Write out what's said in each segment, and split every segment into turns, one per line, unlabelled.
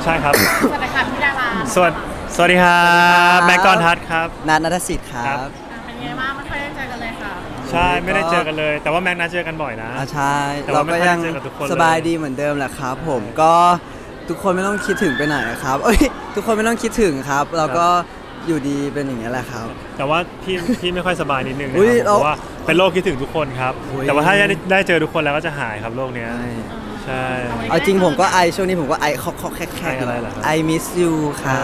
ใช่ครับ
สวัสดีค่ะพี่ดารา
สวัสดีครับแม็กกอนทัศน์ครับ
นัทณัฐศิษย์ครับ
เป็นไงบ้างไม่ค่อยได้เจอกันเลยค่ะ
ใช่ไม่ได้เจอกันเลย แต่ว่าแม็กนัดเจอกันบ่อยนะ
ใช่
แต่
เรา
ว่าไม่
ก็
ค่อย
ยัง
ได้เจอกับทุกคนเลย
สบายดีเหมือนเดิมแหละครับผมก็ทุกคนไม่ต้องคิดถึงไปไหนครับเอ้ยทุกคนไม่ต้องคิดถึงครับ เราก็อยู่ดีเป็นอย่างนี้ยแหละครับ
แต่ว่าพี่ไม่ค่อยสบายนิดนึงนะ
อุ๊
ค
ย
รับเพราะว่าเป็นโรคคิดถึงทุกคนครับ
อุ๊ย
แต่ว่าถ้าได้เจอทุกคนแล้วก็จะหายครับโรคเนี้ยใช่
เอาจริงผมก็ไอช่วงนี้ผมก็ไอเคาะแคก
ไออะไรเหรอครับ
ไอมิสยูครับ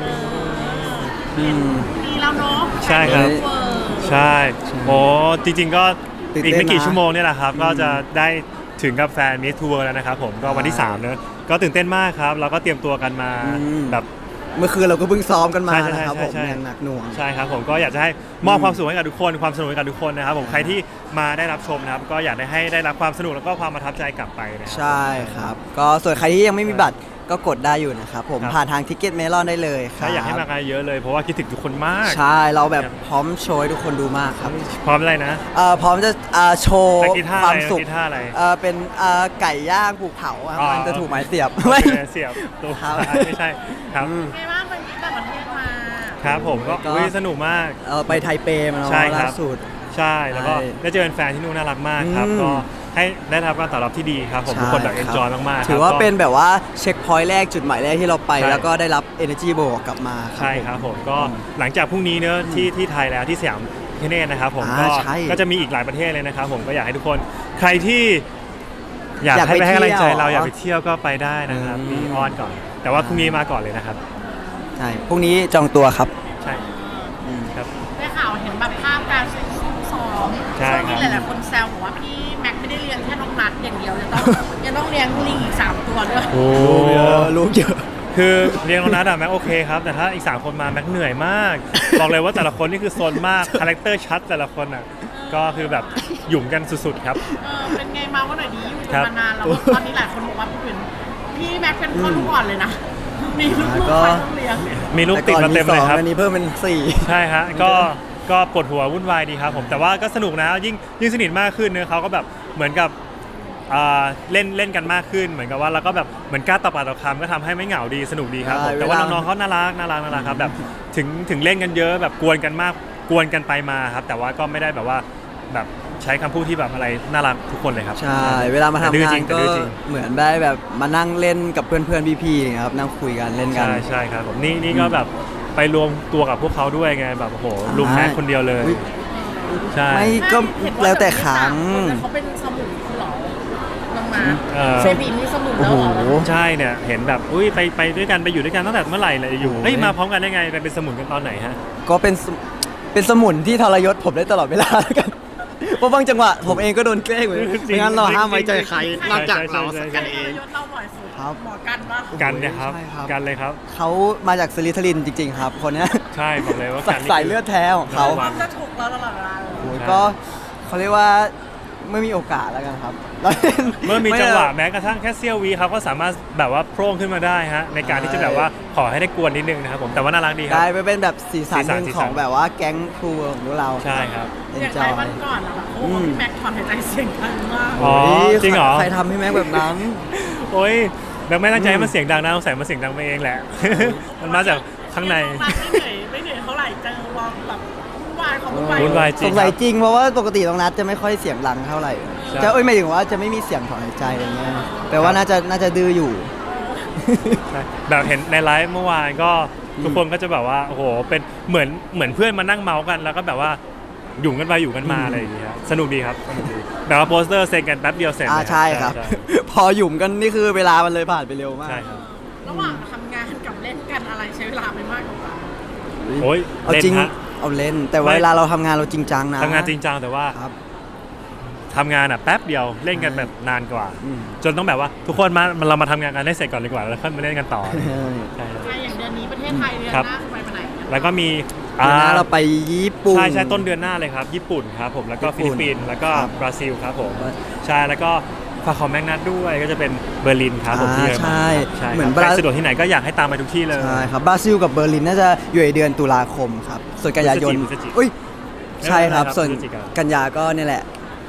ม
มีแล้วเนาะ
ใช่ครับ
เวอร์
ใช่โอ้จริง ๆ ก็
ตื่น
อีก
เต้น
ไม่กี่
นะ
ชั่วโมงเนี่ยแหละครับก็จะได้ถึงกับแฟนมิสทัวร์แล้วนะครับผมก็วันที่3เนอะก็ตื่นเต้นมากครับเราก็เตรียมตัวกันมาแบบ
เมื่อคืนเราก็เพิ่งซ้อมกันมา
ใช่ใช่
นะครับผม
ใช่
อย่างหนักหน่วง
ใช่ครับผมก็อยากจะให้มอบความสุขให้กับทุกคนความสนุกให้กับทุกคนนะครับผมใครที่มาได้รับชมนะครับก็อยากให้ได้รับความสนุกแล้วก็ความประทับใจกลับไปนะครั
ใช่ครับ ก็ส่วนใครที่ยังไม่มีบัตรก็กดได้อยู่นะครับผม
ครับ
ผ่านทางทิกเก็ตเมลอนได้เลยครั
ถ้าอยากให้มากันเยอะเลยเพราะว่าคิดถึงทุกคนมาก
ใช่เราแบบพร้อมโชว์ให้ทุกคนดูมากครับ
พร้อมอะไรนะ
พร้อมจะโชว์
ตะกี้ท่า
ค
อะ
วาม
ไร
สุข
ตะกี้ท่าอะไร
เป็นไก่ย่างภูเขาครับ
อ๋อ
มันจะถูกไม้เสียบ
โอ
ไม่
เคเสียบตัว
ครับ
ไม่ใช่ครับ
เป็นไงบ้างวันนี้ต่างประเทศมา
ครับผมก็
ก็
อุ๊ยสนุกมาก
ไปไทเปมาเนาะ
ใช่ครับ
ล่าสุด
ใช่แล้วก็
ใช่
ได้เจอแฟนๆที่นู่นน่ารักมากครับ
อืม
ก็ให้ได้รับการตอบรับที่ดีครับผมทุกคนแบบ
ใช่
เอน
รับ
จอยมากๆ
ถือว่า
ก็
เป็นแบบว่าเช็คพอยต์แรกจุดหมายแรกที่เราไป
ใช่
แล้วก็ได้รับ energy บวกกลับมา
ใช่ครับผมก็หลังจากพรุ่งนี้เนอะที่ไทยแล้วที่สยามพิคเนตนะครับผมก็
ใช่
ก็จะมีอีกหลายประเทศเลยนะครับผมก็อยากให้ทุกคนใครที่อยาก
อยาก
ให้
ไป
ไปให้กำลังใจ
เที่ยว
เราอยากไปเที่ยวก็ไปได้นะครับ
อืม
มีออนก่อน แต่ว่าพรุ่งนี้มาก่อนเลยนะครับ
ใช่พรุ่งนี้จองตัวครับ
ใช่ครับ
ได้ข่าวเห็นแบบภาพการซ้อม
ใช่
ช่วงนี้
ครับ
หลายๆคนแซวบอกว่าพี่แม็กไม่ได้เลี้ยงแค่น้องนัดอย่างเดียวยังต้องเลี้ยงลิงอีก3 ตัวด้วย
โอ้
ลูกเยอะ
คือเรียงน้องนัดอะแม็กโอเคครับแต่ถ้าอีก3คนมาแม็กเหนื่อยมาก บอกเลยว่าแต่ละคนนี่คือโซนมากคาแรคเตอร์ชัดแต่ละคนอ่ะก็คือแบบหยุ่มกันสุดๆครับ
เป็นไงมาว่าหน่อยดีอยู่
ครั
กัน
บ
มานานแล้วตอนนี้หลายคนบอกว่าพี่แม็กเป็นพ่อลูกอ่อนเลยนะมีลูก
ก็
ๆใครต้องเลี้ยง
มีลูกติดมาเต็มเลยครับ
อันนี้เพิ่มเป็น4
ใช่ฮะก็ปวดหัววุ่นวายดีครับผมแต่ว่าก็สนุกนะยิ่งสนิทมากขึ้นเนอะเขาก็แบบเหมือนกับเล่นกันมากขึ้นเหมือนกับว่าเราก็แบบเหมือนกล้าต่อปากต่อคำก็ทำให้ไม่เหงาดีสนุกดีครับผม
ใช่
แต่ว่า
เวลา
น้องๆเขาน่ารักครับแบบถึงเล่นกันเยอะแบบกวนกันมากกวนกันไปมาครับแต่ว่าก็ไม่ได้แบบว่าแบบใช้คำพูดที่แบบอะไรน่ารักทุกคนเลยครับ
ใช่ เวลามาทำ
แต่ดื้อง
า
จริ
น
งแต่
ก็
ดื้อจริง
เหมือนได้แบบมานั่งเล่นกับเพื่อนๆพี่ๆอย่างเงี้ยครับนั่งคุยกันเล่นกัน
ใช่ครับผมนี่ก็แบบไปรวมตัวกับพวกเขาด้วยไงแบบโอ้โหลุมแม็กคนเดียวเลย
อุ๊ย
ใช่
ไม่ก็แล้วแต่ครั้ง
เขาเป็นสมุนเหรอน้องมา
เออ
เบบีมีสมุนแล้วเหรอ
โอ้โห
ใช่เนี่ยเห็นแบบอุ้ยไปด้วยกันไปอยู่ด้วยกันตั้งแต่เมื่อไหร่เลยอยู่
โอ้ย
เฮ้ยมาพร้อมกันได้ไงไปเป็นสมุนกันตอนไหนฮะ
ก็เป็นสมุนที่ทรยศผมได้ตลอดเวลาแล้วกัน เพราะบางจังหวะผมเองก็โดนแกล้งเหมือนกัน
จริง
ไม่งั้นเราห้ามไว้ใจใคร
จริง
นอกจาก
ใช่
เรา
ใช่
กันเอง
ยศเราบ่อยสุด
ครับ
หมอกันปะ
กันเนะครับ
ใช่ครับ
กันเลยครับ
เขามาจากสลิทลินจริง ๆ ครับ คนเนี้ย
ใช่บอกเลยว่ากันนี่
สายเลือดแท้ของเขา
ระวัง
จะถูกเราตลอดเวลาเลย
โอ้ยก็เขาเรียกว่าไม่มีโอกาสแล้วกันครับแล้ว
เมื่อมีจังหวะแม้กระทั่งแค่เสี้ยววิเขาก็สามารถแบบว่าโพร่งขึ้นมาได้ฮะในการที่จะแบบว่าขอให้ได้กวนนิดนึงนะครับผมแต่ว่าน่ารักดีครั
ได้
บ
ไปเป็นแบบสีสันหนึ่ง
สีสัน
ของแบบว่าแก๊งครูของพวกเรา
ใช่ครับ
เอ็น
อย่าง
จ
ไร
อย
วันก่อนอะแบบโอ้โหพี่แม็กถอนหายใจเสียงดังมาก
อ๋อจริงเหรอ
ใครทำให้แม็กแบบนั้น
โอ้ยแบงค์ไม่ตั้งใจให้มันเสียงดังนะสงสัยมันเสียงดังไปเองแหละ มันมาจากข้างใน
ไม่เหนื่อยเท่าไหร่เจอวางแบบวุ่นวายของวุ่นวาย
วุ่นวาย จริ
ส
ง
งสัย
ครับ
จริงเพราะว่าปกติตรงนัดจะไม่ค่อยเสียงดังเท่าไหร่
ใช่
จะหมายถึงว่าจะไม่มีเสียงถอนหายใจอะไรเงี้ยแปลว่าน่าจะดื้ออยู่
ใช่แบบเห็นในไลฟ์เมื่อวานก็ทุกคนก็จะแบบว่าโอ้โหเป็นเหมือนเพื่อนมานั่งเมาส์กันแล้วก็แบบว่าหยุ่มกันไปหยุ่มกันมาอะไรอย่างเงี้ยครับสนุกดีครับสนุกดีแบบว่าโปสเตอร์เซ็นกันแป๊บเดียวเสร็จเลย
ใช่ครับ
ใช่
พอหยุ่มกันนี่คือเวลามันเลยผ่านไปเร็วมาก
ใช่ครับ
ระหว่างทำงานกับเล่นกันอะไรใช้เวลาไปมากกว่ากัน
โอ้ย
เอา
เล่น
จริง
ฮะ
เอาเล่น แต่ว่า
ไม่
เวลาเราทำงานเราจริงจังนะ
ทำงานจริงจังแต่ว่า
ครับ
ทำงานอ่ะแป๊บเดียวเล่นกันแบบนานกว่า
อืม
จนต้องแบบว่าทุกคนเรามาทำงานกันให้เสร็จก่อนดีกว่าแล้วค่อยมาเล่นกันต่อใช่ครับ
ใช่อย่างเดือนนี้ประเทศไทยเดือน
ครับ
หน้าจะไปไหนกัน
แล้วก็มี
เดี๋ยวนะเราไปญี่ปุ่น
ใช่ต้นเดือนหน้าเลยครับญี่ปุ่นครับผมแล้วก็
ญี่
ฟิ
ปุ่
ลิ
น
ปปินส์แล้วก็
ครับ
บราซิลครับผม
ครับ
ใช่แล้วก็ฝากของแมกนัทด้วยก็จะเป็นเบอร์ลินครับผมที่เยอรมัน
ใช่
ใช่
เหมือน
ครับใคร
บรา
สะดวกที่ไหนก็อยากให้ตามไปทุกที่เลย
ใช่ครับบราซิลกับเบอร์ลินน่าจะอยู่ในเดือนตุลาคมครับส่วนกันยายน
พฤศจิก
อุ้ยใช่ครับ
ไม่เป็นไรครับ
ส่วน
พฤศจิกา
กันยาก็เนี่ยแหละ ใ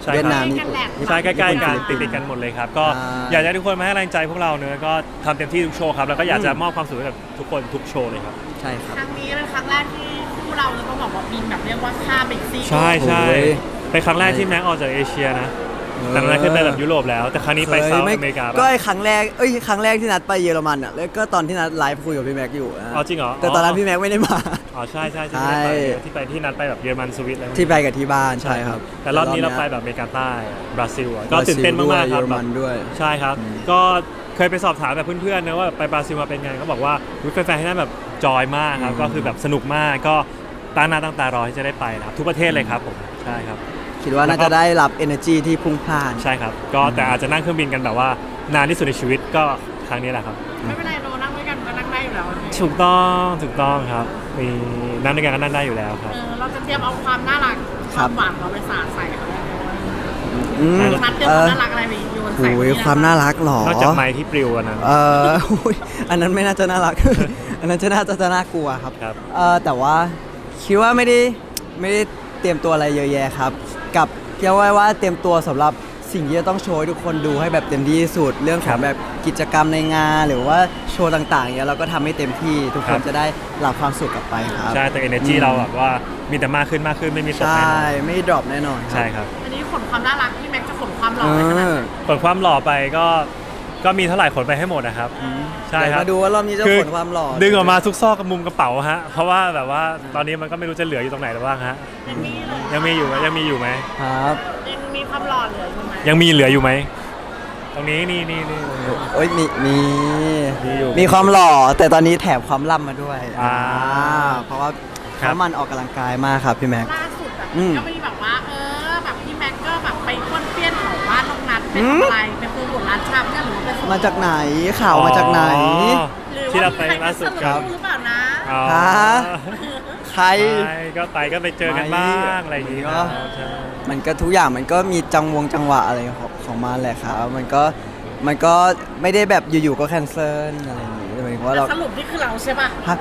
ใช่ครับ
เวียดนาม
ใกล้ๆกันแหละ
ใช่ใกล้ๆกัน
ญี่ปุ่น
ติดๆกันหมดเลยครับก็
อ่า
อยากจะให้ทุกคนมาให้กำลังใจพวกเราเนอะก็ทำเต็มที่ทุกโชว์ครับแล้วก็อยากจะมอบความสุขให้กับทุกคนทุกโชว์เลยครับ
ใช่ครับ
ครั้งนี้เป็นครั้งแรกที่คู่เราจะต้องบอกว่าบินแบบเรียกว่าข้ามไปอีกซี
ใช่ใช่
โอ้ย
เป็นครั้งแรกที่แม็กออกจากเอเชียนะแต่นั้นขึ้นไปแบบยุโรปแล้ว แต่ครั้งนี้ไปเซาท์อเมริกา
ก็
ปะ
ไอ้ครั้งแรกที่นัดไปเยอรมันอ่ะแล้วก็ตอนที่นัดไลฟ์คุยกับพี่แม็กอยู่นะ
อ๋อจริงเหรอ
แต่ตอนนั้นพี่แม็กไม่ได้มา
อ๋อใช่ใช่
ใช่
ที่ไปที่นัดไปแบบเยอรมันสวิตอะไรพวกนี้
ที่ไปกับที่บ้านใช่ครับ
แต่รอบนี้เราไปแบบอเมริกาใต้บราซิลอะก็ตื่นเต้นมากๆครับ
เยอรมันด้วย
ใช่ครับ ก็เคยไปสอบถามแบบเพื่อนๆนะว่าไปบราซิลมาเป็นไงก็บอกว่าแฟนๆที่นั่นแบบจอยมากครับก็คือแบบสนุกมากก็ตั้งหน้าตั้งตารอที่จะได้ไปนะครับทุกประเทศเลยครับผมใช่ครับ
คิดว่าน่าจะได้รับ energy ที่พุ่งพล่าน
ใช่ครับก็แต่อาจจะนั่งเครื่องบินกันแบบว่านานที่สุดในชีวิตก็ครั้งนี้แหละครับ
ไม่เป็นไรโนนั่งด้วยกันก็นั่งได้อยู่แล้ว
ถูกต้องครับมีนั่งด้วยกันก็นั่งได้อยู่แล้วครับ
เราจะเตรียมเอาความน่ารักความหวานเราไปสาดใส่เขาได้ไหม
อืม
นัดเตรียมความน่ารักอะไรไปโยนใส่
โอ้ยความน่ารักเหรอ
นอกจากไม้ที่ปลิวอันนั้น
อุ๊ยอันนั้นไม่น่าจะน่ารัก อันนั้นจะน่ากลัวครับ
ครับ
แต่ว่าคิดว่าไม่ได้เตรียมตัวอะไรเยอะแยะครับ กับเกี่ยวไว้ว่าเตรียมตัวสำหรับสิ่งที่จะต้องโชว์ให้ทุกคนดูให้แบบเต็มที่ที่สุดเรื่องของแบบกิจกรรมในงานหรือว่าโชว์ต่างๆเนี่ยเราก็ทำให้เต็มที่ทุกคนจะได้รับความสุขกลับไปครับ
ใช่แต่ energy เราแบบว่ามีแต่มากขึ้นไม่มีตก
ใช่
แน่นอน
ไม่ดรอปแน่นอน
ใช่ครับ
อันนี้ขนความน่ารักพี่แม็กจะขนความหล่
เอ
อไปขนาดไหน
อ
ผลความหล่อไปก็มีเท่าไหร่ขนไปให้หมดนะครับใช่ครับ
เดี๋ยวมาดูว่ารอบนี้จะขนความหล่อ
ดึงออกมาทุกซอกกับมุมกระเป๋าฮะเพราะว่าแบบว่าตอนนี้มันก็ไม่รู้จะเหลืออยู่ตรงไหนแล้วบ้างฮะ
ยังมีเลย
ยังมีอยู่ไหม
ครับ
ยังมีความหล่อเหลืออยู่ไหม
ยังมีเหลืออยู่ไหมตรงนี้นี่
โอ้ยมี
มีอยู่
มีความหล่อแต่ตอนนี้แถมความล่ำมาด้วย เพราะว่า
ครับ
เขามันออกกำลังกายมากครับพี่แม็ก
ล่าสุดแบบ
อืม
ก็มีแบบว่าแบบพี่แม็กก็แบบไปป้วนเปี้ยนแถวบ้านน้องนัทไปทำอะไรไปโปรโมทร้านชำเนี่ยหรือว่าไปส่ง
มาจากไหนข่าวมาจากไหน
อ๋อ
หรือ
ที่เรา
ว่า
ไป
มีใคร
ล่า
มา
สุ
ส
ด
นับ
ค
ส
รับ
นุนหรือเปล่านะ
อ๋อ
ฮะ ใคร
ก็ไปเจอกันบ้างอะไรอย่างงี้
ก็
ใช่
มันก็ทุกอย่างมันก็มีจังหวะอะไรของมันแหละครับ มันก็ไม่ได้แบบอยู่ๆก็แคนเซิลอะไรอย่างงี้หมายถึงว่าเรา
สรุปนี่คือเราใช่ปะ
ฮะ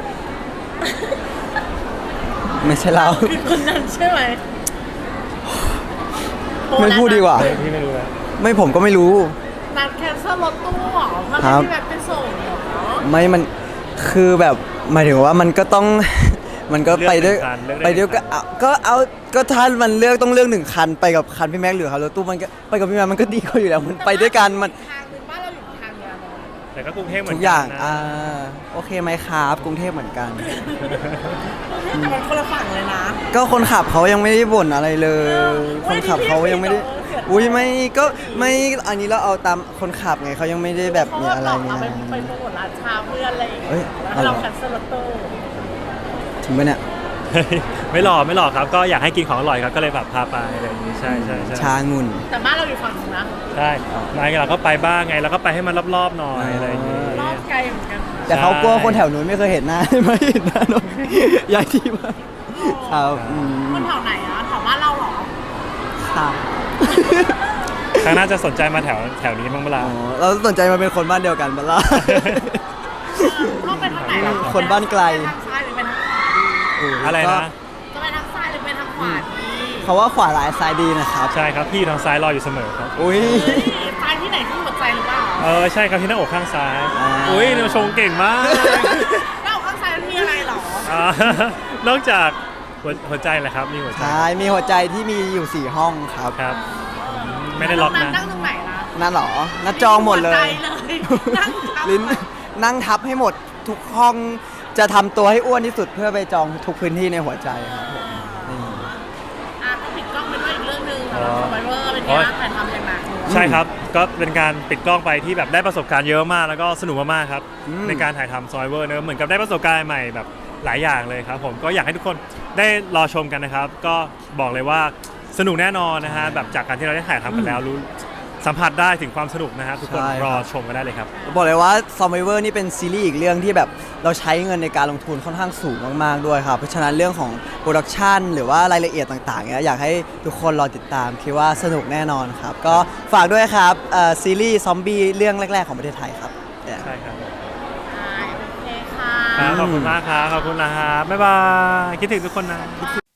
ไม่ใช่เรา
คือคนนั้นใช่ไหม
ไม่พูดดีกว่า
พี่ไม่รู้แล้ว
ไม่ผมก็ไม่รู้
นัดแคนเซิลรถตู้เหรอเพื่อ
ครับ
ที่แบบไปส่งเหรอ
ไม่มันคือแบบหมายถึงว่ามันก็ต้อง มันก็ไปด้วย
เลือกหนึ่งคัน
ก็ถ้ามันเลือกต้องเลือกหนึ่งคันไปกับคันพี่แม็กหรือคันรถตู้มันก็ไปกับพี่แม็กมันก็ดีกว่าอยู่แล้วมันไปด้วยกันมัน
ทางหนึ่งบ้านเราอยู่ทางเดียวกัน
แต่ก็กรุงเทพเหมือน
ทุ
กั
กอย่าง
นะ
โอเคไหมครับกรุงเทพเหมือนกัน
แต่มันคนละฝั่งเลยนะ
ก็คนขับเขายังไม่ได้บ่นอะไรเลย
เออ
คนขับเขายังไม่ได้ อุ้ยไม่ก็ไม่อันนี้เราเอาตามคนขับไงเขายังไม่ได้แบบมีอะไร
เพ
ไง
ราะว่าเราไปโปรโมทร้านชาเพื่อนอะไรอย่างเงี้
เอ้
ย
ย
แล้ว
เอาเหรอ
เราแคนเซิลรถตู้
ถึงไหมเนี่ย
ไม่หลอกครับ ก็อยากให้กินของอร่อยครับก็เลยแบบพาไปอะไรอย่างงี้ใช่
ชางุ่น
แต่บ้านเราอยู่ฝั่งนึงนะ
ใช่ไม่เราก็ไปบ้างไงเราก็ไปให้มันรอบๆหน่อยอะไรอย่างงี้
รอบไกลเหมือนกัน
แต่เขากลัวคนแถวนู้นไม่เคยเห็นหน้า ไม่เห็นหน้าน้องย้ายที่มาครับอืม
คนแถวไหนอะแถวบ้านเราเหรอ
ครับ
ครั้งหน่าจะสนใจมาแถวนี้บ้างเวลา
อ๋อเราสนใจมาเป็นคนบ้านเดียวกันบ้าล่ะ
ชอบไปทางไหนล่ะ
คนบ้านไกล
ไปทางซ้ายหรือไปทางขวาดี
อะไรนะ
จะไปทางซ้ายหรือไปทางขวาดี
เขาว่าขวาหลายซ้ายดีนะครับ
ใช่ครับพี่ทางซ้ายรออยู่เสมอครับ
อุ้ย
เฮ้ยซ้ายที่ไหนที่หัวใจหรือเปล่า
ใช่ครับที่หน้าอกข้างซ้าย
อ่า
อุ้ยเราชงเก่งมาก
แล้วข้างซ้ายมันมีอะไรเหรอ
นอกจากหัวใจแหละครับมีหัวใจ
ใช่มีหัวใจที่มีอยู่4ห้องครับ
ครับ ไม่ได้ล็อกนะ
นั่งตรงไหนล่ะ
นั่นเหรอนั่นจองหมดเล
หัวใจ
ย
เลยนั่งทับ
ลิ้นนั่งทับให้หมดทุกห้องจะทำตัวให้อ้วนที่สุดเพื่อไปจองทุกพื้นที่ในหัวใจครับผมนี่
ก็ปิดกล้องไปด้วยอีกเรื่องหนึงสำหรับ Survivor เป็นไงบ้างถ่ายทำอย่างหนักเลย
ใช่ครับ ก็เป็นการปิดกล้องไปที่แบบได้ประสบการณ์เยอะมากแล้วก็สนุกมากๆครับ ในการถ่ายทำ Survivor เนอะเหมือนกับได้ประสบการณ์ใหม่แบบหลายอย่างเลยครับผมก็อยากให้ทุกคนได้รอชมกันนะครับ ก็บอกเลยว่าสนุกแน่นอนนะฮะแบบจากการที่เราได้ถ่ายทำกันแล้วรู้สัมผัสได้ถึงความสนุกนะฮะทุกคนรอชมกันได้เลยครับ
บอกเลยว่า Survivor นี่เป็นซีรีส์อีกเรื่องที่แบบเราใช้เงินในการลงทุนค่อนข้างสูงมากๆด้วยครับเพราะฉะนั้นเรื่องของโปรดักชันหรือว่ารายละเอียดต่างๆเนี่ยอยากให้ทุกคนรอติดตามคิดว่าสนุกแน่นอนครับก็ฝากด้วยครับซีรีส์ซอมบี้เรื่องแรกๆของประเทศไทยครับ
ใช่ครับ
โอเคค่ะ
ครับขอบคุณมากครับขอบคุณนะครับบ๊ายบายคิดถึงทุกคนนะ